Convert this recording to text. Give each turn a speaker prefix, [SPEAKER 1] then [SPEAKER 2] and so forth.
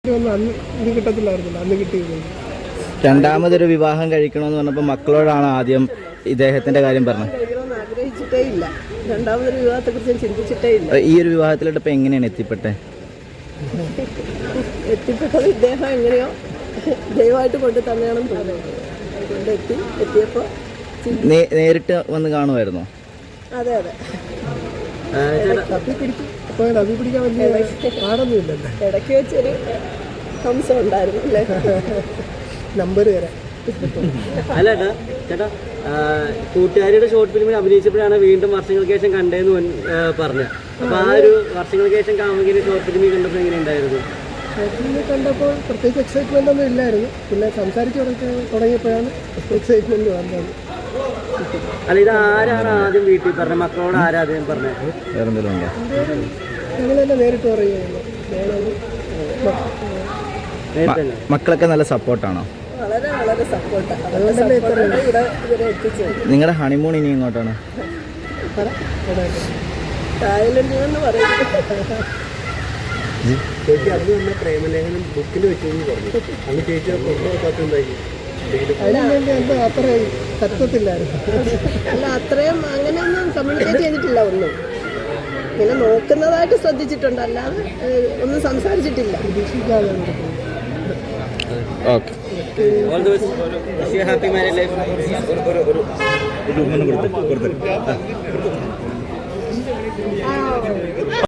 [SPEAKER 1] അന്ന് ഇത് കിട്ടത്തില്ലായിരുന്നില്ല, അന്ന് കിട്ടിയത്.
[SPEAKER 2] രണ്ടാമതൊരു വിവാഹം കഴിക്കണമെന്ന് പറഞ്ഞപ്പോൾ മക്കളോടാണ് ആദ്യം ഇദ്ദേഹത്തിന്റെ കാര്യം പറഞ്ഞത്.
[SPEAKER 3] ആഗ്രഹിച്ചിട്ടേ ഇല്ല, രണ്ടാമതൊരു വിവാഹത്തെക്കുറിച്ച് ചിന്തിച്ചിട്ടേ ഇല്ല.
[SPEAKER 2] ഈ ഒരു വിവാഹത്തിലോട്ട് ഇപ്പം എങ്ങനെയാണ് എത്തിപ്പെട്ടത്?
[SPEAKER 3] ഇദ്ദേഹം എങ്ങനെയോ ദയവായിട്ട് കൊണ്ട് തന്നെയാണെന്ന് തോന്നുന്നത്. അതുകൊണ്ട് എത്തിയപ്പോൾ
[SPEAKER 2] നേരിട്ട് വന്ന് കാണുമായിരുന്നോ?
[SPEAKER 3] അതെ അതെ,
[SPEAKER 1] പിടിക്കാൻ വലിയ പാടൊന്നുമില്ലല്ലോ.
[SPEAKER 3] ഇടയ്ക്ക് വെച്ചൊരു ഹംസം ഉണ്ടായിരുന്നു അല്ലേ?
[SPEAKER 1] നമ്പർ തരാം.
[SPEAKER 4] അല്ല ചേട്ടാ, കൂട്ടുകാരിയുടെ ഷോർട്ട് ഫിലിമിൽ അഭിനയിച്ചപ്പോഴാണ് വീണ്ടും വർഷങ്ങൾക്ക് ശേഷം കണ്ടതെന്ന് പറഞ്ഞു. അപ്പോൾ ആ ഒരു വർഷങ്ങൾക്ക് ശേഷം കാമുകിന്റെ ഷോർട്ട് ഫിലിമിൽ കണ്ടപ്പോൾ എങ്ങനെ ഉണ്ടായിരുന്നു?
[SPEAKER 1] ഷോർട്ട് ഫിലിമിൽ കണ്ടപ്പോൾ പ്രത്യേകിച്ച് എക്സൈറ്റ്മെൻ്റ് ഒന്നും ഇല്ലായിരുന്നു. പിന്നെ സംസാരിച്ച് തുടങ്ങിയപ്പോഴാണ് എക്സൈറ്റ്മെൻറ്റ് വന്നത്.
[SPEAKER 4] അല്ല, ഇത് ആരാണ് ആദ്യം വീട്ടിൽ പറഞ്ഞത്? മക്കളോട് ആരാദ്യം പറഞ്ഞത്?
[SPEAKER 2] വേറെ എന്തെങ്കിലും ഉണ്ടോ?
[SPEAKER 1] ഞങ്ങൾ തന്നെ നേരിട്ട് പറയുകയാണ്.
[SPEAKER 2] മക്കളൊക്കെ നല്ല സപ്പോർട്ടാണോ?
[SPEAKER 3] വളരെ വളരെ സപ്പോർട്ടാണ്. അതുകൊണ്ടല്ലേ ഇവിടെ ഇവരെ എത്തിച്ചത്.
[SPEAKER 2] നിങ്ങളുടെ ഹണിമൂൺ ഇനി എങ്ങോട്ടാണ്?
[SPEAKER 3] തായ്ലൻഡിൽ എന്ന് പറയുന്നത്.
[SPEAKER 1] ചേച്ചി അന്ന് തന്നെ പ്രേമലേഖനം ബുക്കിൽ വെച്ചെന്ന് പറഞ്ഞു. അന്ന് ചേച്ചി കൊണ്ടുപോകാത്തുണ്ടായി. അതിനുവേണ്ടി എന്താ അത്ര തത്വത്തില്ലായിരുന്നു.
[SPEAKER 3] അല്ല, അത്രയും അങ്ങനെയൊന്നും കമ്മ്യൂണിക്കേറ്റ് ചെയ്തിട്ടില്ല. ഒന്നും ഇങ്ങനെ നോക്കുന്നതായിട്ട് ശ്രദ്ധിച്ചിട്ടുണ്ട്, അല്ലാതെ ഒന്നും സംസാരിച്ചിട്ടില്ല.
[SPEAKER 1] പ്രതീക്ഷിക്കാതെ
[SPEAKER 2] okay.
[SPEAKER 4] All the best. Wish you a happy married life.